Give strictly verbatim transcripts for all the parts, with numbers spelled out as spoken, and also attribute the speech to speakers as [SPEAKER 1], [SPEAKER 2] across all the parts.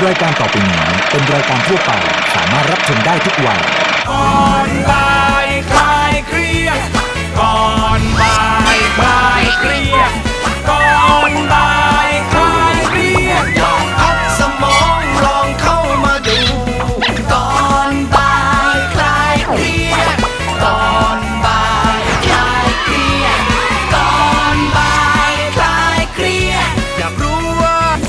[SPEAKER 1] รายการต่อไปนี้เป็นรายการทั่วไปสามารถรับชมได้ทุกวัย
[SPEAKER 2] ก่อนบ่ายคลายเครียดก่อนบ่ายคลายเครียดก่อนบ่ายคลายเครียดลองพักสมองลองเข้ามาดูก่อนบ่ายคลายเครียดก่อนบ่ายคลายเครียดก่อนบ่ายคลายเครียดอยากรู้ว่า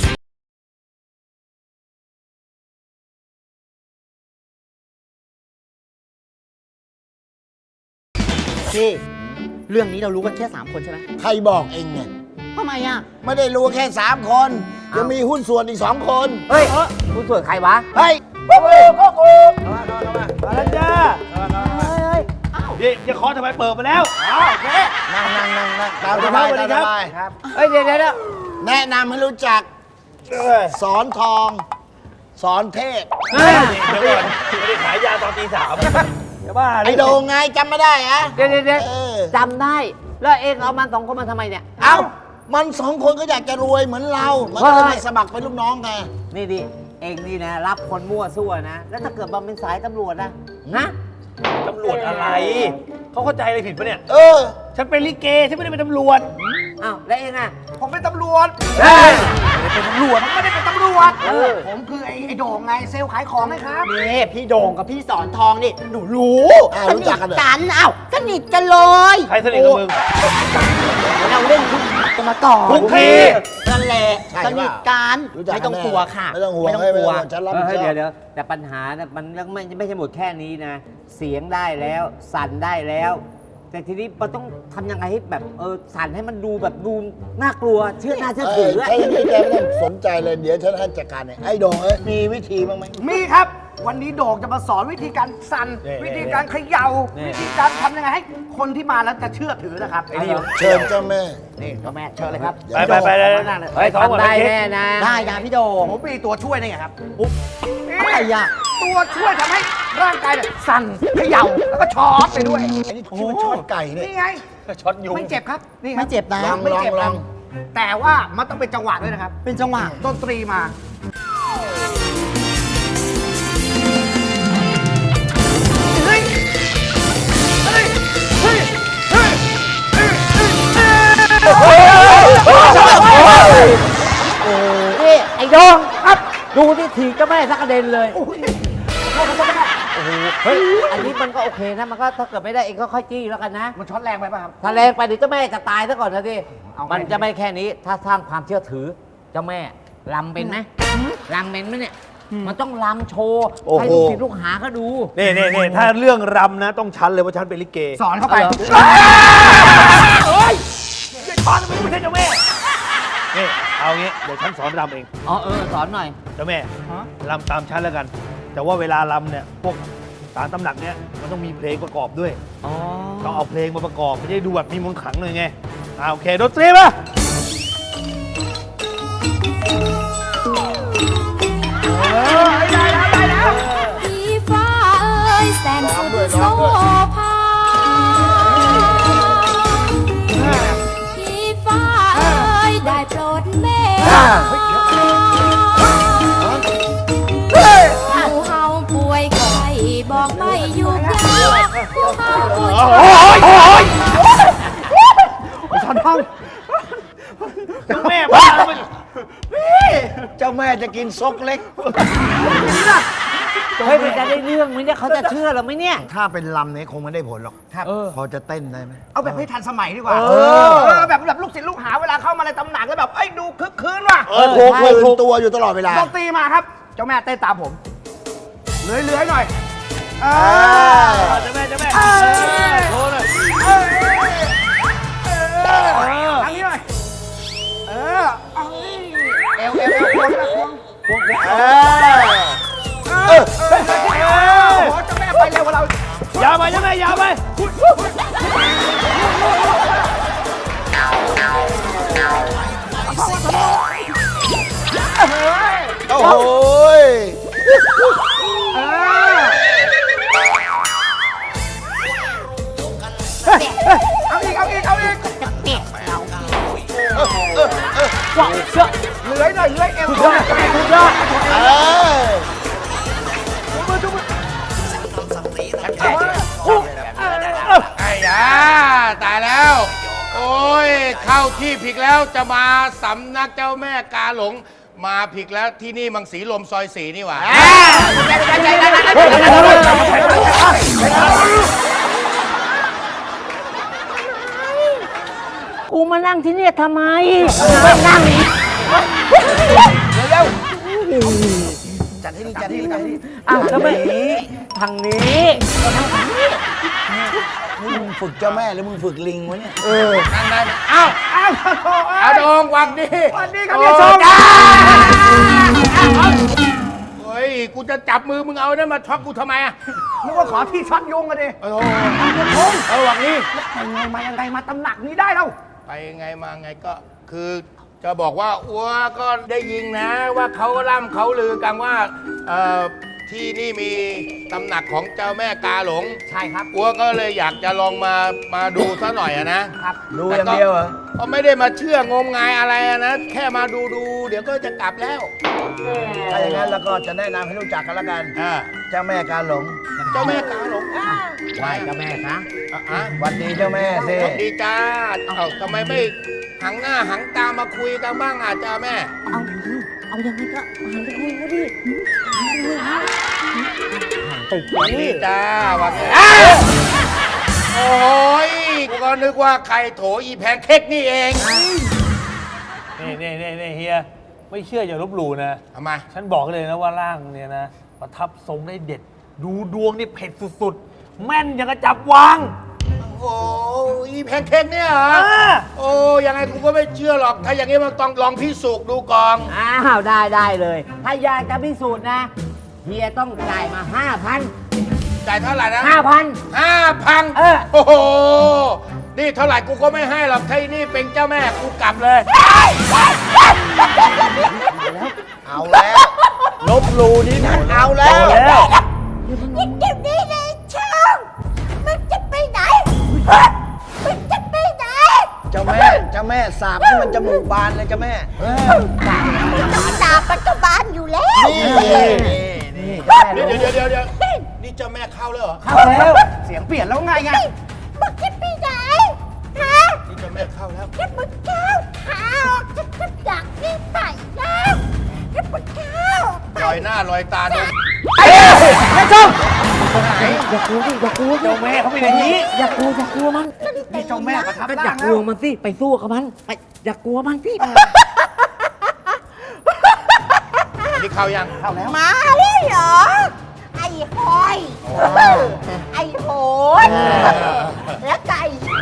[SPEAKER 3] พี่เรื่องนี้เรารู้กันแค่สามคนใช่ไหม
[SPEAKER 4] ใครบอกเองเนี่ย
[SPEAKER 3] ทำไมอ่ะ
[SPEAKER 4] ไม่ได้รู้แค่สามคนยังมีหุ้นส่วนอีกสองคน
[SPEAKER 3] เฮ้ยคุณส่วนใครวะ
[SPEAKER 4] เฮ้ยกูกูกูมาแล้วจ้า
[SPEAKER 5] เดี๋ยวจะขอทำไมเปิดมาแล้วโอเค
[SPEAKER 4] นั่งนั่งนั่งนั่งตามสบายตามสบายครับ
[SPEAKER 3] เฮ้ยเดี๋ยวเดี๋ยว
[SPEAKER 4] แนะนำให้รู้จักสอนทอง สอนเทพ
[SPEAKER 5] เฮ้ยเดี๋ยวก่อนไม่ได้ขายยาตอนตีสามจะบ้า
[SPEAKER 4] ไอ้โดงไงจำไม่ได้อะ
[SPEAKER 3] เดี๋ยวเดี๋ยวเดี๋ยว
[SPEAKER 4] เออ
[SPEAKER 3] จำได้แล้วเองเอามันสองคนมาทำไมเนี่ย
[SPEAKER 4] เอ้ามันสองคนก็อยากจะรวยเหมือนเรา มันก็เลยมาสมัครเป็นลูกน้องไง
[SPEAKER 3] นี่ดิเองนี่นะรับคนมั่วซั่วนะแล้วถ้าเกิดมันเป็นสายตำรวจนะนะ
[SPEAKER 5] ตำรวจอะไรเขาเข้าใจอะไรผิดปะเนี่ย
[SPEAKER 4] เออ
[SPEAKER 5] ฉันเป็นลิเกฉันไม่ได้เป็นตำรวจ
[SPEAKER 3] อ้าวแล้วเองอ่ะ
[SPEAKER 6] ผมเป็นตำรวจ
[SPEAKER 3] เฮ้ย
[SPEAKER 6] เป็นตำรวจผมไม่ได้เป็นตำรวจ
[SPEAKER 3] เออ
[SPEAKER 6] ผมคือไอ้ไอ้โด่งไงเซลล์ขายของไงครับ
[SPEAKER 3] นี่พี่โด่งกับพี่สอนทองนี่หนูรู้
[SPEAKER 4] อ่ารู้จักกันเหรอ
[SPEAKER 3] กันอ้าวสนิทกันเลย
[SPEAKER 5] ใครสนิทกับมึง
[SPEAKER 3] เราเล่นทุกกันมาก่อน
[SPEAKER 5] ทุกที
[SPEAKER 3] นั่นแหละ
[SPEAKER 4] ใช่
[SPEAKER 3] สนิทกัน
[SPEAKER 4] รู้จัก
[SPEAKER 3] ไม่
[SPEAKER 4] กั
[SPEAKER 3] ต้อน ง
[SPEAKER 4] แน่
[SPEAKER 3] กลัวค่ะ
[SPEAKER 4] ไม่ต้องห่วง
[SPEAKER 3] ไม่ต้อง
[SPEAKER 4] ให้
[SPEAKER 3] กลัว
[SPEAKER 4] ไม่ต้องฉันรับผิดชอบ
[SPEAKER 3] เดี๋ยวเดี๋ยวแต่ปัญหาเนี่ยมันไม่ไม่ใช่หมดแค่นี้นะ เสียงได้แล้วสั่นได้แล้ว แต่ทีนี้มันต้องทำยังไงให้แบบเออสั่นให้มันดูแบบดูน่ากลัวเชื่อน่าเชื่อ
[SPEAKER 4] เอ
[SPEAKER 3] ถื
[SPEAKER 4] อ
[SPEAKER 3] ออะ
[SPEAKER 4] ใช่ไม่แกไม่ต้องสนใจเลยเดี๋ยวฉันให้จัดการเองไอ้โดงเอ้ยมีวิธีบ้างไหม
[SPEAKER 6] มีครับ วันนี้โด่งจะมาสอนวิธีการสั่น
[SPEAKER 5] นี่
[SPEAKER 6] วิธีการเขย่า
[SPEAKER 5] นี่
[SPEAKER 6] วิธีการทำยังไงให้คนที่มาแล้วจะเชื่อถือนะครับ
[SPEAKER 5] ไอ้นี่
[SPEAKER 4] เชิญเจ้าแม่
[SPEAKER 6] นี่เจ้าแม่เชิญเลยครับ
[SPEAKER 5] ไปไปไปเลยเฮ้ยท้องก่อน
[SPEAKER 3] ทำได้
[SPEAKER 5] ไปเช็ค
[SPEAKER 3] แน่นะ ได้นะพี่โด่ง
[SPEAKER 6] ผมมีตัวช่วยนี่ไงครับ
[SPEAKER 3] อะไรอ่ะ
[SPEAKER 6] ตัวช่วยทำให้ร่างกายเนี่ยสั่นเขย่าแล้วก็ช็อตไปด้วย
[SPEAKER 4] ไอ้นี่คิดว่าช็อตไก่เนี่ย
[SPEAKER 6] นี่ไง
[SPEAKER 5] ช็อตยุง
[SPEAKER 6] ไม่เจ็บครับนี่ครับ
[SPEAKER 3] ไม่เจ็บนะ
[SPEAKER 4] ลอง
[SPEAKER 6] ไม่เจ็บ
[SPEAKER 4] ล
[SPEAKER 6] ค
[SPEAKER 4] อ
[SPEAKER 6] รั
[SPEAKER 4] ง
[SPEAKER 6] บแต่ว่ามันต้องเป็นจังหวะด้วยนะครับ
[SPEAKER 3] เป็นจังหวะ
[SPEAKER 6] ดนตรีมา เฮ้ย เฮ้ย เฮ้ย เฮ้ย เฮ้ย
[SPEAKER 3] นี่ไอ้โดงครับดูที่ถีบเจ้าแม่สักกระเด็นเลย โอ้โหเฮ้ยอันนี้มันก็โอเคนะมันก็ถ้าเกิดไม่ได้เองก็ค่อยจี้แล้วกันนะ
[SPEAKER 6] มันช็อตแรงไปป่ะครับ
[SPEAKER 3] ถ้าแรงไปเดี๋ยวเจ้าแม่จะตายซะก่อนนะสิ
[SPEAKER 6] เอาไง
[SPEAKER 3] มันจะไม่แค่นี้ถ้าสร้างความเชื่อถือเจ้าแม่ลำเป็นไหมลำเป็นไหมเนี่ยมันต้องลำโชว์
[SPEAKER 4] โอ้โห
[SPEAKER 3] ให้ลูกศิษย์ลูกหาเขาดู
[SPEAKER 5] นี่นี่นี่ถ้าเรื่องรำนะต้องชันเลยว่าฉันเป็นลิเก
[SPEAKER 6] สอนเข้าไป
[SPEAKER 5] เฮ้ยไอ้ช้อนมันไม่ใช่เจ้าแม่นี่เอางี้เดี๋ยวฉันสอนรำเอง
[SPEAKER 3] อ๋อเออสอนหน่อย
[SPEAKER 5] เจ้าแม่รำตามฉันแล้วกัน แต่ว่าเวลารำเนี่ยพวกสารตำหนักเนี่ยมันต้องมีเพลงประกอบด้วย
[SPEAKER 3] อ๋อ
[SPEAKER 5] ต้องเอาเพลงมาประกอบไม่ได้ดูแบบมีมนต์ขลังหน่อยไงอ่าโอเคดนตรีมา
[SPEAKER 7] พี่ฟ้าเอ้ยแสนสุดโสภาพี่ฟ้าเอ้ยได้โปรดเมตตาผู้เฮาป่วยไข้บอกไม่อยู่ยากผู้เฮาป่วย
[SPEAKER 5] โอ้ยโอ้ย
[SPEAKER 6] สอนท่อง
[SPEAKER 5] เจ้าแม่บ้าแล้วมัน
[SPEAKER 4] เจ้าแม่จะกินซกเล็ก
[SPEAKER 3] เฮ้ยมันจะได้เรื่องไหมเนี่ยเขาจะเชื่อเราไหมเนี่ย
[SPEAKER 4] ถ้าเป็นลำเนี่ยคงไม่ได้ผลหรอก
[SPEAKER 6] ครับ
[SPEAKER 4] พอจะเต้นได้ไหม
[SPEAKER 6] เอาแบบให้ทันสมัยดีกว่า
[SPEAKER 3] เออ
[SPEAKER 6] เออแบบแบบลูกศิษย์ลูกหาเวลาเข้ามาในตำหนักแล้วแบบเอ้ยดูคึกคืนว่ะ
[SPEAKER 4] เออโคคืนตัวอยู่ตลอดเวลา
[SPEAKER 6] ดนตรีมาครับ เจ้าแม่เต้นตามผมเลื้อยๆหน่อยเออ
[SPEAKER 5] เจ้าแม่เจ้าแม่
[SPEAKER 6] เออ
[SPEAKER 5] โชว์หน่อย
[SPEAKER 6] เออเออทางนี้หน่อยเออเอาเอวเอวเอวควงนะควงควงควง
[SPEAKER 4] เออ
[SPEAKER 6] เออเฮ้ยเฮ้ยเฮ้ยโอ้โหเจ้าแม่ไปเร็วกว่าเรา
[SPEAKER 5] ยาวไปเจ้าแม่ยาวไป
[SPEAKER 4] โอ้โหย
[SPEAKER 6] เออเอาอีกเอาอีกเอาอีกเลื้อยหน่อยเลื้อยเอว
[SPEAKER 5] สุดยอดสุดยอด
[SPEAKER 4] เออ
[SPEAKER 2] ไอ้ยาตายแล้ว โอ้ยเข้าที่ผิดแล้วจะมาสำนักเจ้าแม่กาหลง มาผิดแล้วที่นี่มังสีลมซอยสีนี่หว่า
[SPEAKER 3] กูมานั่งที่เนี่ยทำไมมานั่ง
[SPEAKER 4] จัดให้ดีจัดให้ดีจัดให้ดี
[SPEAKER 3] อ้าวแล้วไม่ทางนี้
[SPEAKER 4] นี่มึงฝึกเจ้าแม่หรือมึงฝึกลิงวะเนี่ย
[SPEAKER 2] นั่นนั่นเอ้า
[SPEAKER 6] อ้าวโอ้
[SPEAKER 2] อาดงวังดี
[SPEAKER 6] สวัสดีครับพี่ชม
[SPEAKER 2] เฮ้ย กูจะจับมือมึงเอาเนี่ยมาช็อกกูทำไมอ่ะ
[SPEAKER 6] นึกว่าขอที่ช็อตยุงกันดิ
[SPEAKER 2] โอ้โหเออวังนี้
[SPEAKER 6] ไปไงมายังไงมาตำหนักนี้ได้แล้ว
[SPEAKER 2] ไปไงมาไงก็คือจะบอกว่าอัวก็ได้ยินนะว่าเขาล่ำเขาลือกันว่าเอ่อที่นี่มีตำหนักของเจ้าแม่กาหลง
[SPEAKER 6] ใช่ครับ
[SPEAKER 2] อัวก็เลยอยากจะลองมามาดูซะหน่อยอะนะ
[SPEAKER 6] ครับ
[SPEAKER 4] ดูอย่างเดียวเหรอ
[SPEAKER 2] ก็ไม่ได้มาเชื่องมงายอะไรอะนะ แค่มาดูดูเดี๋ยวก็จะกลับแล้ว
[SPEAKER 4] ถ้าอย่างนั้นเราก็จะแนะนำให้รู้จักกันแล้วกัน
[SPEAKER 2] อ่า
[SPEAKER 4] เจ้าแม่กาหลง
[SPEAKER 2] เจ้าแม่กาหลง
[SPEAKER 3] ไหว้เจ้าแม่คะ
[SPEAKER 2] อ่ะอ่ะ
[SPEAKER 4] หวัดดีเจ้าแม่สิ
[SPEAKER 2] สวัสดีจ้าเอ้าทำไมไม่หังหน้าหังตามาคุยกันบ้างอ่ะจ้าแม่
[SPEAKER 3] เอาเอายังไงก็หันไปคุยก็ดิหันไปคุ
[SPEAKER 2] วั
[SPEAKER 3] ย
[SPEAKER 2] นนี้จ้าวันนี้โอ้ยกูก็นึกว่าใครโถอีแพนเค้กนี่เอง
[SPEAKER 5] นี่นี่นี่นี่เฮีย ไม่เชื่ออย่าลบหลู่นะ
[SPEAKER 2] ทำไม
[SPEAKER 5] ฉันบอกเลยนะว่าร่างเนี่ยนะ ประทับทรงได้เด็ด ดูดวงนี่เผ็ดสุดๆ แม่นอย่างกระจับวาง
[SPEAKER 2] โอ้อีแพนเค้กเนี่ยเหรอ
[SPEAKER 5] อ่า
[SPEAKER 2] โอ้ยังไงกูก็ไม่เชื่อหรอก ถ้าอย่างนี้มันต้องลองพิสูจน์ดูก่อน
[SPEAKER 3] อ้าวได้ได้เลย ถ้าอยากจะพิสูจน์นะเฮียต้องจ่ายมาห้าพัน
[SPEAKER 2] จ่ายเท่าไหร่นะ
[SPEAKER 3] ห้าพัน
[SPEAKER 2] ห้าพัน
[SPEAKER 3] เออ
[SPEAKER 2] โอ้โห นี่เท่าไหร่กูก็ไม่ให้หรอกถ้านี่เป็นเจ้าแม่กูกลับเลย
[SPEAKER 4] เอาแล้ว ลบหลูนี่นะเอาแล้ว
[SPEAKER 5] แล้ว
[SPEAKER 7] ยิ่งเดี๋ยวนี้เลยช่าง มันจะไปไหน มันจะไปไหน
[SPEAKER 4] เจ้าแม่เจ้าแม่สาบให้มันจมูกบานเลยเจ้าแม่
[SPEAKER 7] มันต้องดาบปัจจุบันอยู่แล้ว
[SPEAKER 4] นี่นี่นี่
[SPEAKER 2] เดี๋ยวเดี๋ยวเดี๋ยวเดี๋ยวนี่เจ้าแม่เข้าแล้วเหรอ
[SPEAKER 6] เข้าแล้ว เสียงเปลี่ยนแล้วไงไง
[SPEAKER 7] มันจะไปไหน ฮะ
[SPEAKER 2] นี่เจ้าแม่เข้าแล้ว
[SPEAKER 7] ถ้ามึงก้าวขาออกจะจะดักนี่ไปแล้วถ้ามึงก้าวไป
[SPEAKER 2] ลอยหน้าลอยตาดู
[SPEAKER 3] อย่ากลัวดิอย่ากลัว
[SPEAKER 5] เจ้าแม่เขาเป็นอย่างนี้
[SPEAKER 3] อย่ากลัวอย่ากลัวมัน
[SPEAKER 6] นี่เจ้าแม่ประทับ
[SPEAKER 3] ก็อ
[SPEAKER 6] ร่า
[SPEAKER 3] ย่าง กลัวมันสิไปสู้กับมันไปอย่ากลัวมันสิ
[SPEAKER 2] นี่เข้ายัง
[SPEAKER 6] เข้าแล้ว
[SPEAKER 7] มาเลยเหรอ ไอ้หอย ไอ้โหนแล้วไก่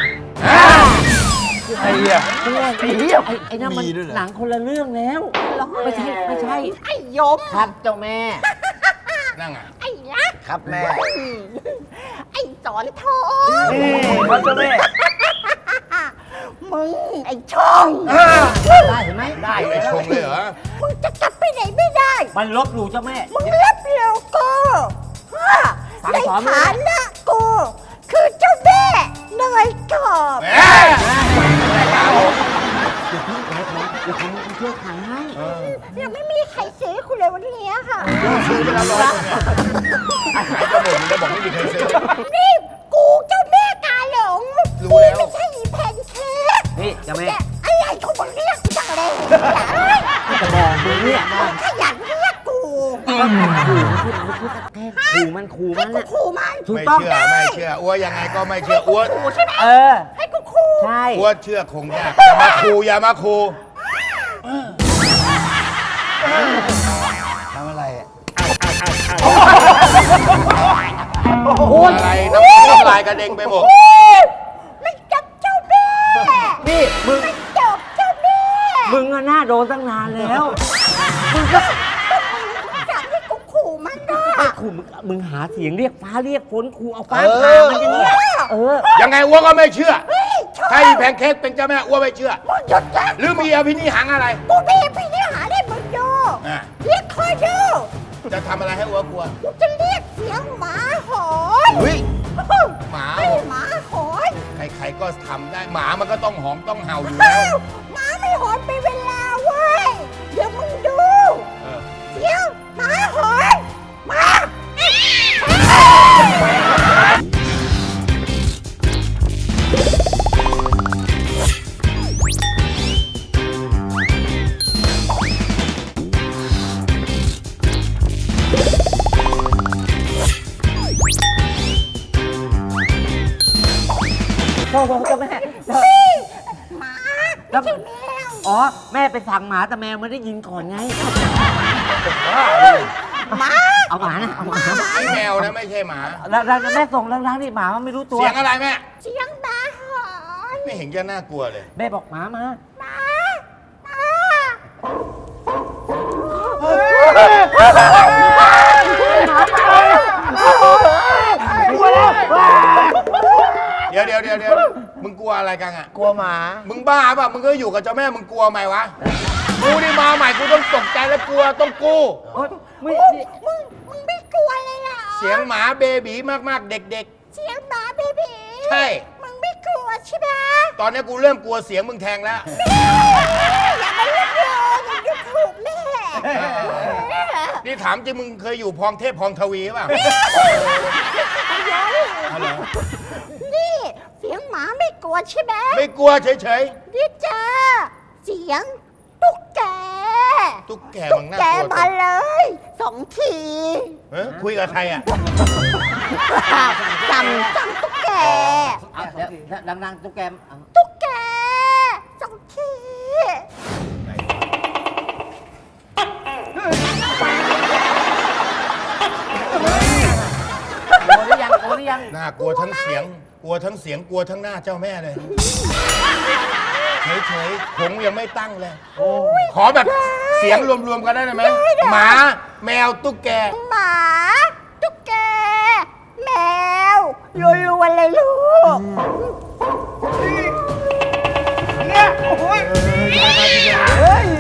[SPEAKER 5] ไอ้เหี้ย
[SPEAKER 3] ไอ้เหี้ยไอ้ไอ้นั่นมันหนังคนละเรื่องแล้ว ไม่ใช่ไม่ใช่
[SPEAKER 7] ไอ้ยม
[SPEAKER 3] ครับเจ้าแม่
[SPEAKER 2] นั่งอ่ะ
[SPEAKER 7] ไอ้รัก
[SPEAKER 4] ครับแม่
[SPEAKER 7] ไอ้สอนทอง
[SPEAKER 5] นี่เขาเจ้าแม่
[SPEAKER 7] มึง ไอ้ช่อง
[SPEAKER 3] ได้เห็นไหมได้
[SPEAKER 2] ไปชงเลยเหรอ
[SPEAKER 7] มึงจะกลับไปไหนไม่ได้
[SPEAKER 3] มันลบหลู่เจ้าแม่
[SPEAKER 7] มึงรับเร็วกูฮะ
[SPEAKER 3] สั่ง
[SPEAKER 7] ใน
[SPEAKER 3] สอนมึง
[SPEAKER 7] ฐานะกู คือเจ้าแม่เนยกรอบ
[SPEAKER 2] แม่
[SPEAKER 3] เดี๋ยวผมเชื่อขายให้
[SPEAKER 7] ยังไม่มีใครซื้อคุณเลยวันนี้ค่ะ
[SPEAKER 2] ซื้อไปแล้วร้อยเนี่ยขายจะหมดมึงได้บอกไม่มีใครซื้อ
[SPEAKER 7] นี่กูเจ้าแม่กาหลง
[SPEAKER 2] รู้แล้ว
[SPEAKER 7] ไม่ใช่อีแพนเค้ก
[SPEAKER 3] นี่เจ้าแม่
[SPEAKER 7] แต่อะไรเขาบอกเรียกกูจังเลย
[SPEAKER 3] จะบอกมึงเนี่ยว่า
[SPEAKER 7] ขยันเรียกกู
[SPEAKER 3] ขู่มันขู่มันขู่มัน
[SPEAKER 7] ให้กู
[SPEAKER 3] น่ะ
[SPEAKER 7] ขู่มัน
[SPEAKER 3] ถูก
[SPEAKER 2] ไม่
[SPEAKER 3] ต้อง
[SPEAKER 2] เชื่อไม่เชื่ออ้วยังไงก็ไม่เชื่ออ้ว
[SPEAKER 7] ขู่ใช่ไหม
[SPEAKER 3] เออ
[SPEAKER 7] ให้กูขู่
[SPEAKER 3] ใช่
[SPEAKER 2] อ้วเชื่อคงยากอย่ามาคูอย่ามาคู
[SPEAKER 4] ทำอะไรอะ
[SPEAKER 2] อะไรน้ำน้ำลายกระเด็งไปหมด
[SPEAKER 7] ไม่จับเจ้าแม่
[SPEAKER 3] นี่มึง
[SPEAKER 7] ไม่จับเจ้าแม่
[SPEAKER 3] มึงอะหน้าโดนตั้งนานแล้ว มึงก็
[SPEAKER 7] จับให้กูขู่มันนะ
[SPEAKER 3] ไม่ขู่มึงมึงหาเสียงเรียกฟ้าเรียกฝนขู่เอาฟ้าผ่ามันอย่างเงี้ยเออ
[SPEAKER 2] ยังไงอ้วก็ไม่เชื่อ
[SPEAKER 7] เฮ้ยชอบ
[SPEAKER 2] ถ้าอีแพนเค้กเป็นเจ้าแม่อ้วไม่เชื่อ
[SPEAKER 7] มึงหยุดนะ
[SPEAKER 2] หรือมีอภินิหังอะไร
[SPEAKER 7] กูมีพี่นี่หาได้มึงดู
[SPEAKER 2] อ่ะ
[SPEAKER 7] เรียกคอยดู
[SPEAKER 2] จะทำอะไรให้อ้วกลัว
[SPEAKER 7] กูจะเรียกเสียงหมาหอน
[SPEAKER 2] เฮ้ย หมา
[SPEAKER 7] ไอ้หมาหอน
[SPEAKER 2] ใครๆก็ทำได้หมามันก็ต้องหอมต้องเห่าอยู่
[SPEAKER 7] เอ้า
[SPEAKER 2] แล้ว
[SPEAKER 7] หมาไม่หอนไป
[SPEAKER 3] โหเจ้าแม่
[SPEAKER 7] หมา
[SPEAKER 3] แล้ว
[SPEAKER 7] ไม่ใช่แมว
[SPEAKER 3] อ๋อ แม่ไปสั่งหมาแต่แมวไม่ได้ยินก่อนไง
[SPEAKER 7] หมา
[SPEAKER 3] เอาหมานะ เอาหมา
[SPEAKER 2] ไอ้แมวนะไม่ใช่หมา
[SPEAKER 3] แล้วแล้วแม่ส่งล้างๆนี่หมามันไม่รู้ตัว
[SPEAKER 2] เสียงอะไรแม่
[SPEAKER 7] เสียงหมาหอน
[SPEAKER 2] ไม่เห็นจะน่ากลัวเลย
[SPEAKER 3] แม่บอกหมามา
[SPEAKER 7] หมาหมา
[SPEAKER 2] เดี๋ยวเดี๋ยวเดี๋ยวเดี๋ยวมึงกลัวอะไรกันอ่ะ
[SPEAKER 4] กลัวหมา
[SPEAKER 2] มึงบ้าป่ะ มึงก็อยู่กับเจ้าแม่ มึงกลัวไหมวะ กูนี่มาใหม่ กูต้องตกใจและกลัว ต้องกู
[SPEAKER 3] โอ๊ยไม่
[SPEAKER 7] มึงมึงไม่กลัวเลยเหรอ
[SPEAKER 2] เสียงหมาเบบีมากๆ เด็ก
[SPEAKER 7] เสียงหมาเบบี
[SPEAKER 2] ใช่
[SPEAKER 7] มึงไม่กลัวใช่ไหม
[SPEAKER 2] ๆ ตอนนี้กูเริ่มกลัวเสียงมึงแทงแล้ว
[SPEAKER 7] อย่ามาเล่นเลยอย่าดูถูกแม่
[SPEAKER 2] นี่ถามจริงมึงเคยอยู่พองเทพพองทวีป่ะ
[SPEAKER 7] นี่เสียงหมาไม่กลัวใช่ไหม
[SPEAKER 2] ไม่กลัวเฉย
[SPEAKER 7] นี่เจอเสียงตุ๊กแก
[SPEAKER 2] ๆ ตุ๊กแก
[SPEAKER 7] ตุ๊
[SPEAKER 2] มึ
[SPEAKER 7] ก
[SPEAKER 2] งน่า
[SPEAKER 7] แก
[SPEAKER 2] กลัว
[SPEAKER 7] มาเลยสองที
[SPEAKER 2] เฮ้ยคุยกับใครอ่ะ
[SPEAKER 7] สั่งสั่งตุ๊กแก
[SPEAKER 3] เอาเดี๋ยวดังๆตุ๊กแกเอา
[SPEAKER 7] ตุ๊กแกสองที
[SPEAKER 3] โอ้หรือยังโอ้หรือยัง
[SPEAKER 2] น่ากลัวทั้งเสียง กลัวทั้งเสียง กลัวทั้งหน้าเจ้าแม่เลย เฉยๆผมยังไม่ตั้งเลย ขอแบบเสียงรวมๆกันได้ไหม หมา แมว ตุ๊กแก
[SPEAKER 7] หมาตุ๊กแก แมวรัวๆเลยลูก
[SPEAKER 6] เนี่ยโอ้ยเฮ้ย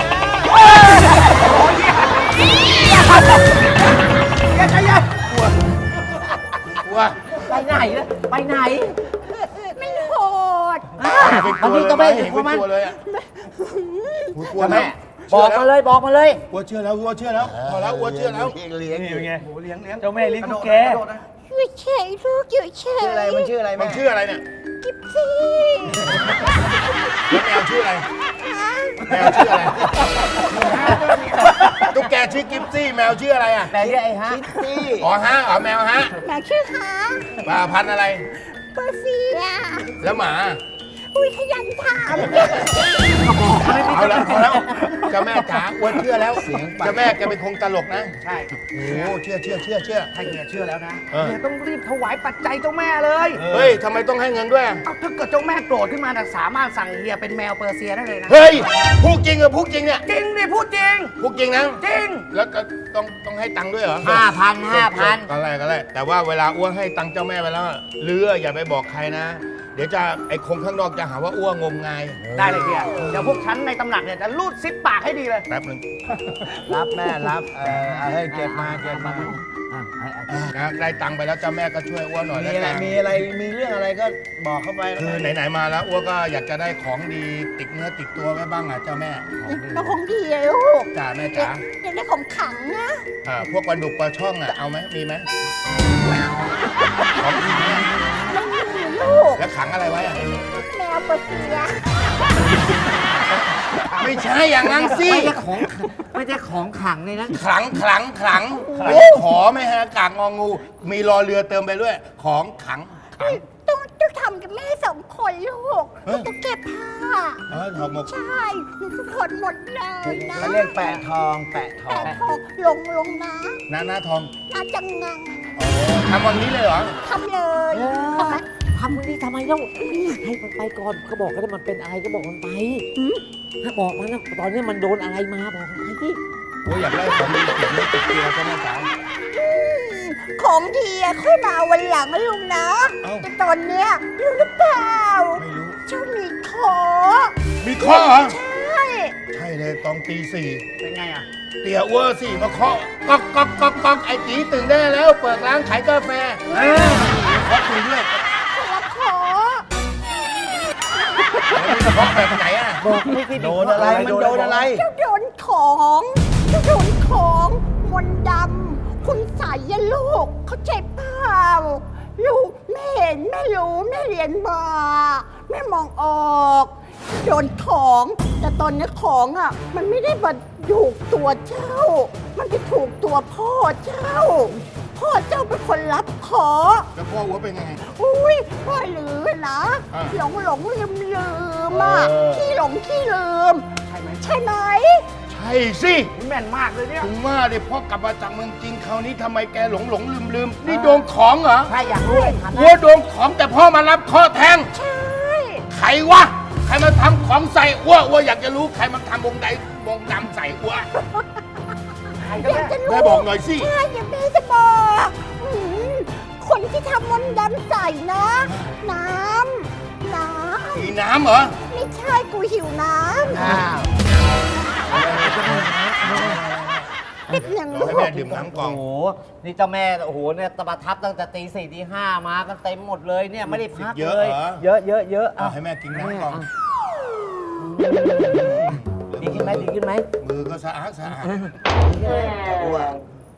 [SPEAKER 6] อย่าใจเย็น
[SPEAKER 2] กลัว
[SPEAKER 3] ไปไหนล่ะไปไหน
[SPEAKER 7] ไม่โหด
[SPEAKER 3] อ่ะบางทีก็ไม่
[SPEAKER 2] เห็
[SPEAKER 3] เห็
[SPEAKER 2] น
[SPEAKER 3] น
[SPEAKER 2] ก
[SPEAKER 3] ว่ามัน
[SPEAKER 2] ลัวเลยอ่ะอุ๊ยกลัว
[SPEAKER 3] แม่
[SPEAKER 2] แล้ว
[SPEAKER 3] บอกมาเลยบอกมาเลย
[SPEAKER 2] กลัวเชื่อแล้วกลัวเชื่อแล้วพอแล้วกลัวเชื่อแล้ว
[SPEAKER 4] เลี้ยง
[SPEAKER 5] นี่
[SPEAKER 4] อยู่
[SPEAKER 5] เป็นไง
[SPEAKER 6] โอ้เลี้ยงเลี้ยง
[SPEAKER 5] เจ้าแม่เลี้ยงตุ๊กแก
[SPEAKER 6] ระโดดนะ
[SPEAKER 7] อยู่เฉยลูกอยู่เฉย
[SPEAKER 4] ชื่ออะไร มันชื่ออะไร
[SPEAKER 2] มั
[SPEAKER 4] แม่
[SPEAKER 2] นชื่ออะไรเนี่ย
[SPEAKER 7] กิ๊บซี่
[SPEAKER 2] แล้วแมวชื่ออะไร แมวชื่ออะไร ตุ๊กแกชื่อกิฟซี่ แมวชื่ออะไรอ่ะ
[SPEAKER 3] แต่เรียกไอ้ฮะ
[SPEAKER 4] คิตตี้
[SPEAKER 2] อ๋อฮะอ๋อแมวฮะ
[SPEAKER 7] แมวชื่อหา
[SPEAKER 2] ปลาพันธุ์อะไร
[SPEAKER 7] เปอร์เซีย
[SPEAKER 2] แล้วหมา
[SPEAKER 7] อุ้ยขยันถาม
[SPEAKER 2] เอาแล้วเอาแล้วเจ้าแม่จ๋าอ้วนเชื่อแล้วเจ้าแม่แกเป็นคงตลกนะ
[SPEAKER 6] ใช่
[SPEAKER 2] โอ้เชื่อเชื่อเชื่อเชื่อ
[SPEAKER 6] ถ้าเฮียเชื่อแล้วนะ
[SPEAKER 2] เออ
[SPEAKER 6] เฮียต้องรีบถวายปัจจัยเจ้าแม่เลย
[SPEAKER 2] เฮ้ยทำไมต้องให้เงินด้วยอะ
[SPEAKER 6] เอาถ้าเกิดเจ้าแม่โกรธขึ้นมาน่ะสามารถสั่งเฮียเป็นแมวเปอร์เซียได้เลยนะ
[SPEAKER 2] เฮ้ยพูดจริงเหรอพูดจริงเนี่ย
[SPEAKER 6] จริงดิพูดจริง
[SPEAKER 2] พูดจริงนะ
[SPEAKER 6] จริง
[SPEAKER 2] แล้วก็ต้องต้องให้ตังค์ด้วยเหรอ
[SPEAKER 3] ห้าพันห้าพัน
[SPEAKER 2] ก็แรกก็แรกแต่ว่าเวลาอ้วนให้ตังค์เจ้าแม่ไปแล้วเลืออย่าไปบอกใครนะ เดี๋ยวจะไอ้คงข้างนอกจะหาว่าอ้วนงมงาย
[SPEAKER 6] ได้เลยเฮียเดี๋ยวพวกฉันในตำหนักเนี่ยจะรูดซิปปากให้ดีเลย
[SPEAKER 2] แป๊บหนึง
[SPEAKER 4] รับแม่รับ เออเอาให้เก็บมาเก็บมา
[SPEAKER 2] นะได้ตังค์ไปแล้วเจ้าแม่ก็ช่วยอ้วนหน่อย
[SPEAKER 4] มี
[SPEAKER 2] แล้ว
[SPEAKER 4] อะไร
[SPEAKER 2] กัน
[SPEAKER 4] มีอะไร มีเรื่องอะไรก็บอกเข้าไป
[SPEAKER 2] คือไหนๆมาแล้วอ้วนก็อยากจะได้ของดีติดเนื้อติดตัวไว้บ้างอ่ะเจ้าแม่
[SPEAKER 7] แล้วของดีอะลูก
[SPEAKER 2] จ๋าแม่จ๋า
[SPEAKER 7] อยากได้ของขังนะ
[SPEAKER 2] อ่าพวกปลาดุกปลาช่องอ่ะเอาไหมมีไหมของขังอะ
[SPEAKER 7] ไม่มีลูก
[SPEAKER 2] แล้วขังอะไรไว้อ่ะ
[SPEAKER 7] แมวเปอร์เซีย
[SPEAKER 2] ไม่ใช่อย่างนั้นสิ
[SPEAKER 3] ไม่ใช่ของขังไม่ใช่ของขังในนั้น
[SPEAKER 2] ขลังขลังขลังไม่ใช่ขอไม่ฮะกากงองู มีรอเรือเติมไปด้วย ของขังขัง
[SPEAKER 7] ต้องต้องทำกับแม่สองคนลูก
[SPEAKER 2] เฮ้ย
[SPEAKER 7] ต้องเก็บผ้า
[SPEAKER 2] เออถอดหมก
[SPEAKER 7] ใช่หนูทุกคนหมดเลยนะ
[SPEAKER 4] เขาเรียกแปะทอง แปะทอ
[SPEAKER 7] แต่
[SPEAKER 4] ง
[SPEAKER 7] พอลงลงนะ
[SPEAKER 2] หน้าหน้าทอง
[SPEAKER 7] น่าจังงัง
[SPEAKER 2] อ๋อทำวันนี้เลยเหรอ
[SPEAKER 7] ทำเลย
[SPEAKER 3] เออ
[SPEAKER 7] ทำไม
[SPEAKER 3] ทำวันนี้ทำไมเล่าให้มันไปก่อนก็บอกก็ได้มันเป็นอะไรก็บอกมันไปถ้าบอกมันนะตอนนี้มันโดนอะไรมาบอกมันไปที่
[SPEAKER 2] โอ้ยอยากได้ของดีติดเนื้อติดตัวใช่ไหมจ๋า
[SPEAKER 7] อืมของดีอะค่อยมาวันหลังนะลุงนะ
[SPEAKER 2] เอ้า
[SPEAKER 7] แต่ตอนเนี้ยรู้หรือเปล่า
[SPEAKER 2] ไม่รู้
[SPEAKER 7] เจ้ามีขอ
[SPEAKER 2] มีข้อเหรอ
[SPEAKER 7] ใช่
[SPEAKER 2] ใช่เลยตอนตีสี่
[SPEAKER 6] เป็นไงอ่ะ
[SPEAKER 2] เตี่ยอ้วสี่มาเคาะก๊อกก๊อกก๊อกก๊อกไอ้ตีตื่นได้แล้ว เปิดร้านขายกาแฟเออเคาะคุยด้วย
[SPEAKER 7] คนละขอ
[SPEAKER 2] แล้วมีเคาะแบบไหนอ่ะ
[SPEAKER 3] บอกไม่ที่
[SPEAKER 4] โดนอะไร มันโดนอะไร
[SPEAKER 7] เจ้าโดนของเจ้าโดนของมนต์ดำคุณใส่ยะลูก เข้าใจเปล่า ลูกแม่เห็นแม่รู้แม่เรียนมา แม่มองออก โดนของ แต่ตอนนี้ของอ่ะ มันไม่ได้มาถูกตัวเจ้า มันไปถูกตัวพ่อเจ้า พ่อพ่อเจ้าเป็นคนรับขอ
[SPEAKER 4] แล้วพ่อหัวเป็นไง
[SPEAKER 7] อุ้ยพ่อลือนะ
[SPEAKER 4] อ่า
[SPEAKER 7] หลงหลงลืมลืมอ่ะ
[SPEAKER 4] เออ
[SPEAKER 7] ขี้หลงขี้ลืม ใช่ไหมใช่ไหม
[SPEAKER 4] ใช่สิ
[SPEAKER 6] แม่นมากเลยเนี่ย
[SPEAKER 4] ถึงว่าดิพ่อกลับมาจากเมืองจีนคราวนี้ทำไมแกหลงหลงลืมลืมนี่โดนของเหรอ
[SPEAKER 3] ถ้าอยากรู้เลยถาม
[SPEAKER 4] หัวโดนของแต่พ่อมารับข้อแทง
[SPEAKER 7] ใช่
[SPEAKER 4] ใครวะ ใครมาทำของใส่อ้วอ้วอยากจะรู้ใครมาทำวงใดวงดำใส่อ้ว
[SPEAKER 7] อยากจะรู้
[SPEAKER 4] แม่บอกหน่อยสิ
[SPEAKER 7] ใช่อย่าแม่จะบอกอืมคนที่ทำมนต์ดำใส่นะ น้ำ น้
[SPEAKER 4] มีน้ำเหรอ
[SPEAKER 7] ำ ไม่ใช่กูหิวน้ำเป็นอย่าง
[SPEAKER 4] ให้
[SPEAKER 7] ลู
[SPEAKER 4] แม่
[SPEAKER 7] ก
[SPEAKER 4] ดื่มน้ำกล่อ
[SPEAKER 3] โอ้
[SPEAKER 4] ง
[SPEAKER 3] โห นี่เจ้าแม่ โอ้โห เนี่ยตะบัดทับตั้งแต่ตีสี่ตีห้ามากันเต็มหมดเลยเนี่ยไม่ได้พัก
[SPEAKER 4] เย
[SPEAKER 3] เล
[SPEAKER 4] อะ
[SPEAKER 3] ย
[SPEAKER 4] เหรอ
[SPEAKER 3] เยอะเยอะเยอะ
[SPEAKER 4] เอาให้แม่กินน้ำกล่อง
[SPEAKER 3] ดีขึ้นไหมดีขึ้นไหม
[SPEAKER 4] มือก็สะอาดสะอาด
[SPEAKER 3] อ้วก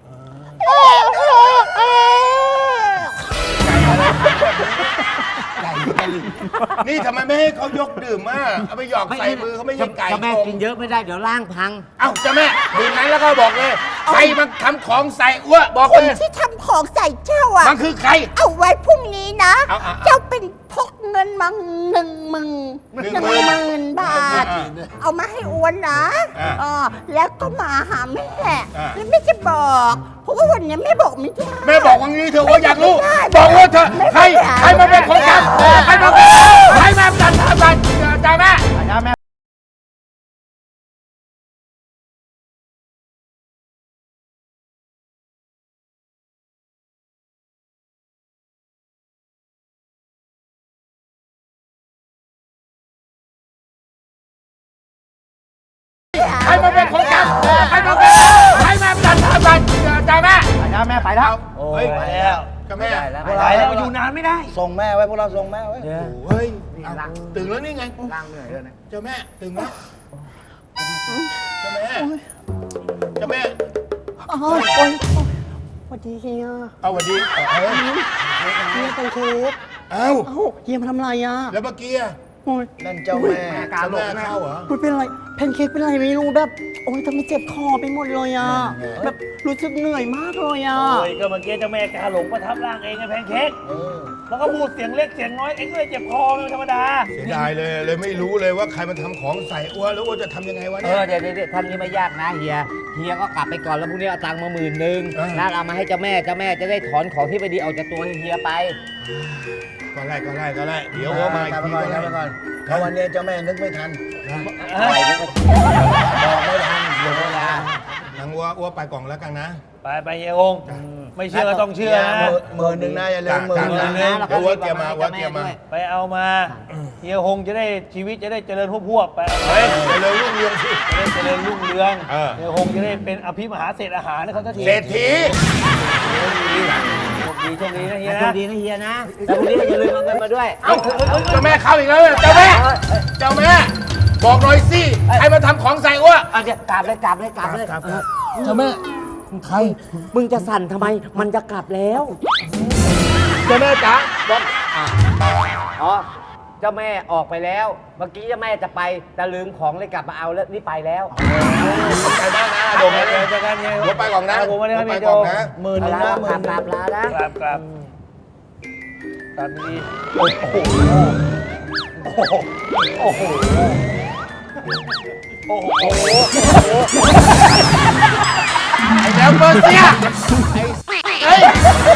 [SPEAKER 4] นี่ทำไมไม่ให้เขายกดื่มมาเอาไปหยอกใส่มือเขาไม่ใช่ไก่
[SPEAKER 3] เจ้าแม่
[SPEAKER 4] ช
[SPEAKER 3] กินเยอะไม่ได้เดี๋ยวร่างพัง
[SPEAKER 4] เอ้าเจ้าแม่ดื่มนั้นแล้วก็บอกเลยใครมาทำของใส่อ้วบอก
[SPEAKER 7] คน
[SPEAKER 4] เลย
[SPEAKER 7] ที่ทำของใส่เจ้าอ่ะ
[SPEAKER 4] มันคือใคร
[SPEAKER 7] เอาไว้พรุ่งนี้นะ
[SPEAKER 4] เอาเอาเอา
[SPEAKER 7] เจ้าเป็นพกเงินมาหนึ่งหมื่น
[SPEAKER 4] หนึ่ง
[SPEAKER 7] หนึ่ง
[SPEAKER 4] หมื่น
[SPEAKER 7] หมื่นบาท
[SPEAKER 4] อ่า
[SPEAKER 7] เอามาให้อ้วนนะ
[SPEAKER 4] อ่า
[SPEAKER 7] เออแล้วก็มาหาแม่
[SPEAKER 4] อ่า
[SPEAKER 7] แล้วแม่จะบอก เพราะว่าวันนี้แม่บอกไม่ได้
[SPEAKER 4] แม่บอกว่างี้เธอะว่าอยากรู้
[SPEAKER 7] ไม่ได้
[SPEAKER 4] บอกว่าเธอ
[SPEAKER 7] ไม่
[SPEAKER 4] ใคร
[SPEAKER 7] ได้
[SPEAKER 4] ใครมาเป็นคนทำใครมาเป็นใครมาจัดทำอะไรจ้าแม่
[SPEAKER 6] จ้าแม่
[SPEAKER 4] ใครมาเป็นคนทำใครมาเป็นใครมาจัดทำอะไรจ้าแม่
[SPEAKER 6] จ้าแม่ไปแล้ว
[SPEAKER 3] โอ้
[SPEAKER 4] เฮ้ย
[SPEAKER 3] ย
[SPEAKER 4] ไปแล้วจ้าแม่
[SPEAKER 3] ได้แล้ว
[SPEAKER 6] ไปแล้วอยู่นานไม่ได้
[SPEAKER 5] ส่งแม่ไว้พวกเราส่งแม่ไว้
[SPEAKER 3] เดี๋ยว
[SPEAKER 4] เฮ้ยเอาตื่นแล้วนี่ไง
[SPEAKER 6] ล่างเหนื่อยเลยนะ
[SPEAKER 4] เจ้าแม่ตื่นแล้วเจ้าแม่เจ้าแม่
[SPEAKER 7] โอ้ยโอ้ยโอ้ยสวัสดีเฮีย
[SPEAKER 4] เอาสวัสดีเอาเอา
[SPEAKER 7] เฮียเป็นเค้ก
[SPEAKER 4] เอา
[SPEAKER 7] เอ้าเฮียมาทำอะไรอ่ะ
[SPEAKER 4] แล้วเมื่อกี้อะ
[SPEAKER 7] โอ้ย
[SPEAKER 5] นั่นเจ้าแม่
[SPEAKER 6] กา
[SPEAKER 4] เจ้า
[SPEAKER 6] หล
[SPEAKER 4] แม่
[SPEAKER 6] งนะ
[SPEAKER 4] เข้าเหรอ
[SPEAKER 7] คุณเป็นอะไรแพนเค้กเป็นอะไรไม่รู้แบบ โอ้ยทำไมเจ็บคอไปหมดเลยอ่ะ แบบรู้สึกเหนื่อยมากเลยอ่ะ
[SPEAKER 8] โอ้ยก็เมื่อกี้เจ้าแม่กาหลงประทับร่างเองไงแพนเค้ก
[SPEAKER 5] เออ
[SPEAKER 8] แล้วก็พูดเสียงเล็กเสียงน้อยเองก็เลยเจ็บคอเป็นธรรมดา
[SPEAKER 4] เสียดายเลยเลยไม่รู้เลยว่าใครมันทำของใส่อ้วนแล้วอ้วนจะทำยังไงวะ
[SPEAKER 3] เอ
[SPEAKER 4] เนี่ย
[SPEAKER 3] อเดี๋ยวเดี๋ยวเดี๋ยวท่านนี้ไม่ยากนะเฮีย เฮียก็กลับไปก่อนแล้วพรุ่งนี้เอาตังค์มาหมื่นหนึ่ง
[SPEAKER 4] เออ
[SPEAKER 3] แล้วเอามาให้เจ้าแม่ เจ้าแม่จะได้ถอนของที่ไม่ดีออกจากตัวให้เฮียไป
[SPEAKER 4] ก็ไล่ก็ไล่ก็ไล่เดี๋ยวอ้วนมาอีก
[SPEAKER 5] ไป
[SPEAKER 4] ที
[SPEAKER 5] ก่อน
[SPEAKER 4] ก็
[SPEAKER 5] ไป
[SPEAKER 4] ไล่
[SPEAKER 5] ก่อนเพราะวันนี้เจ้าแม่นึกไม่ทัน
[SPEAKER 3] บอกไม่ทันเดี๋ยวเวลา
[SPEAKER 4] หลังอ้วนอ้วนไปกล่องแล้วกันนะ
[SPEAKER 8] ไปไปเฮียฮงไม่เชื่อก็ต้องเชื่อนะ
[SPEAKER 5] หมื่นหนึ่งนะอย่าลืมหมื่นหนึ่ง
[SPEAKER 3] นะแล้วก็
[SPEAKER 4] เดี๋ยววัดเตรียมมาวัดเตรียมมา
[SPEAKER 8] ไปเอามาเฮียฮงจะได้ชีวิตจะได้เจริญพวกๆไปเอาไป
[SPEAKER 4] เฮ้ยไปเลยลูกเรืองสิ
[SPEAKER 8] จะได้เจริญรุ่งเรือง
[SPEAKER 4] เออ
[SPEAKER 8] เฮียฮงจะได้เป็นอภิมหาเศรษฐอาหารนะเขาสักที
[SPEAKER 4] เศรษฐี
[SPEAKER 8] โชคดีโชคดีนะเฮีย
[SPEAKER 3] โช
[SPEAKER 8] นะ
[SPEAKER 3] คดีนะเฮียนะ แล้วพรุ่งนี้ก็อย่าลืมเอาเงินมาด้วย
[SPEAKER 4] เอ้าเจ้าแม่เข้าอีกแล้วเนี่ยเจ้าแม่เจ้าแม่บอกหน่อยสิใครมาทำของใส่อ้วน
[SPEAKER 3] เอาเดี๋ยวกลับเลยกลับเลยกลับเลย
[SPEAKER 4] เจ้าแม่ใคร
[SPEAKER 3] มึงจะสั่นทำไม มันจะกลับแล้ว
[SPEAKER 4] เจ้าแม่จ๋าบอก
[SPEAKER 3] อ๋อ เจ้าแม่ออกไปแล้ว เมื่อกี้เจ้าแม่จะไปแต่ลืมของเลยกลับมาเอาแล้วนี่ไปแล้ว
[SPEAKER 4] ขอบใจมากนะโดมนะ
[SPEAKER 8] เจอกันเฮีย
[SPEAKER 4] หัวไปก่อนนะ
[SPEAKER 8] ผมมาเลย
[SPEAKER 4] หั
[SPEAKER 8] คว รับ
[SPEAKER 4] ไป
[SPEAKER 8] พี่โจ
[SPEAKER 4] ก่อนนะ
[SPEAKER 5] หมื่นหนึ่ง
[SPEAKER 3] ลา
[SPEAKER 5] นะ
[SPEAKER 3] ก
[SPEAKER 5] หมื่
[SPEAKER 3] ลับ
[SPEAKER 5] นห
[SPEAKER 3] ก
[SPEAKER 5] นึ่
[SPEAKER 3] ลั
[SPEAKER 5] ง
[SPEAKER 3] บลานะ
[SPEAKER 8] กลับกลับกลับดี
[SPEAKER 4] ไอ้แล้วเบอร์เซียไอ้เฮ้ย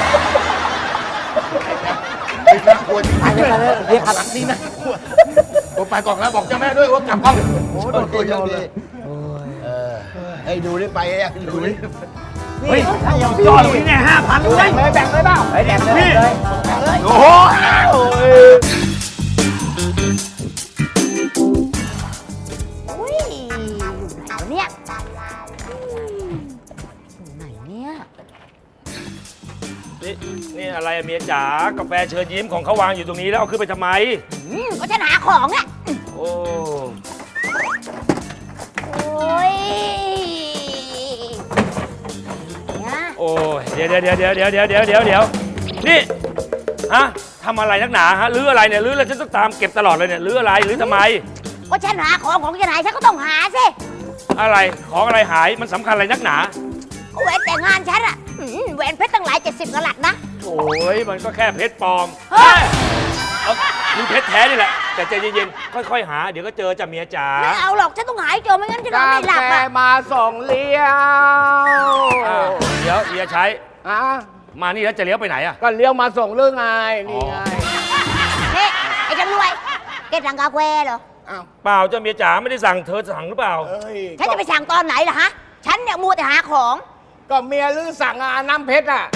[SPEAKER 4] ไอ้น่ากลัวจริง
[SPEAKER 3] ไปเลยไปเลยเรียกขับนี่นะ
[SPEAKER 4] หัวไปก่อนแล้วบอกเจ้าแม่ด้วยว่ากลับห้อง
[SPEAKER 5] โอ้โหโดนตัวเยอะเลยเออให้ดูได้ไปยังดูดิ
[SPEAKER 8] เฮ้ยยอดนี่ไงห้าพันเลย
[SPEAKER 6] แบ่งเลยเปล่า
[SPEAKER 3] ไปแดกเลยเลย
[SPEAKER 8] โอ้โห
[SPEAKER 7] อุ้ยอยู่ไหนวะเนี่ยอืมอยู่ไหนเนี่ย
[SPEAKER 8] นี่นี่อะไรอะเมียจ๋ากาแฟเชิญยิ้มของเขาวางอยู่ตรงนี้แล้วเอาขึ้นไปทำไม
[SPEAKER 7] อืมก็ฉันหาของอ่ะ
[SPEAKER 8] โอ้
[SPEAKER 7] โอ้ยเนี่ย
[SPEAKER 8] โอ้ยเดี๋ยวเดี๋ยวเดี๋ยวเดี๋ยวเดี๋ยวเดี๋ยวเดี๋ยวเดี๋ยวเดี๋ยวนี่ฮะทำอะไรนักหนาฮะรื้ออะไรเนี่ยรื้อแล้วฉันต้องตามเก็บตลอดเลยเนี่ยรื้ออะไรรื้อทำไม
[SPEAKER 7] ก็ฉันหาของของฉันหายฉันก็ต้องหาสิ
[SPEAKER 8] อะไรของอะไรหายมันสำคัญอะไรนักหนา
[SPEAKER 7] ก็แหวนแต่งงานฉันอะอืมแหวนเพชรตั้งหลายเจ็ดสิบกะรัตนะ
[SPEAKER 8] โอ้ยมันก็แค่เพชรปลอม
[SPEAKER 7] เฮ้ย
[SPEAKER 8] เอาคือเพชรแท้นี่แหละ แต่ใจเย็นๆ ค่อยๆ หา เดี๋ยวก็เจอจ้ะเมียจ๋า
[SPEAKER 7] ไม่เอาหรอกฉันต้องหายเจอไม่งั้นฉันนอน
[SPEAKER 6] กา
[SPEAKER 7] ไม่หลับ
[SPEAKER 6] แฟ
[SPEAKER 7] อะ
[SPEAKER 6] มาส่งเลี้ยว
[SPEAKER 8] อ่าเดี๋ยวเอียใช้
[SPEAKER 6] อ่ะ
[SPEAKER 8] มานี่แล้วจะเลี้ยวไปไหนอะ
[SPEAKER 6] ก็เลี้ยวมาส่งเรื่องไงนี่ไง
[SPEAKER 7] เฮ้ไอ้จำรวยแกสั่งกาแฟเหรอ
[SPEAKER 6] อ้าว
[SPEAKER 8] เปล่าจ้ะเมียจ๋าไม่ได้สั่งเธอสั่งหรือเปล่า
[SPEAKER 6] เอ้ย
[SPEAKER 7] ฉันจะไปสั่งตอนไหนล่ะฮะ ฉันเนี่ยมัวแต่หาของ
[SPEAKER 6] ก็เมียลือสั่งอ่ะน้ำเพชรอ่ะ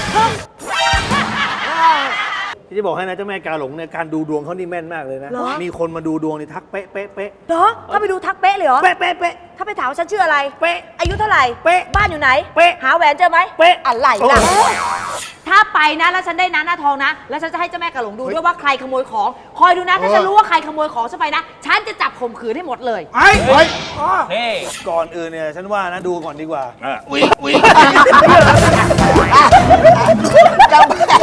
[SPEAKER 5] ที่จะบอกให้นะเจ้าแม่กาหลงเนี่ยการดูดวงเขานี่แม่นมากเลยนะ
[SPEAKER 9] เหรอ
[SPEAKER 5] มีคนมาดูดวงนี่ทักเป๊ะเป๊ะเป๊ะ
[SPEAKER 9] เหรอถ้าไปดูทักเป๊ะเลยเหรอ
[SPEAKER 5] เป๊ะเป๊ะเป๊ะ
[SPEAKER 9] ถ้าไปถามว่าฉันชื่ออะไร
[SPEAKER 5] เป๊ะ
[SPEAKER 9] อายุเท่าไหร่
[SPEAKER 5] เป๊ะ
[SPEAKER 9] บ้านอยู่ไหน
[SPEAKER 5] เป๊ะ
[SPEAKER 9] หาแหวนเจอไหม
[SPEAKER 5] เป๊ะ
[SPEAKER 9] อะไร
[SPEAKER 5] โอ้
[SPEAKER 9] ล่ะ
[SPEAKER 5] โห
[SPEAKER 9] ถ้าไปนะแล้วฉันได้นะหน้าทองนะ แล้วฉันจะให้เจ้าแม่กะหลงดูด้วยว่าใครขโมยของ คอยดูนะ ถ้าฉันรู้ว่าใครขโมยของฉันไปนะ ฉันจะจับข่มขืนให้หมดเลย
[SPEAKER 6] ไอ้เฮ้ย
[SPEAKER 8] เฮ้
[SPEAKER 5] ก่อนอื่นเนี่ยฉันว่านะดูก่อนดีกว่า
[SPEAKER 8] อ่ะ
[SPEAKER 6] อุ๊ยอุ๊ย
[SPEAKER 7] เจ้าแม่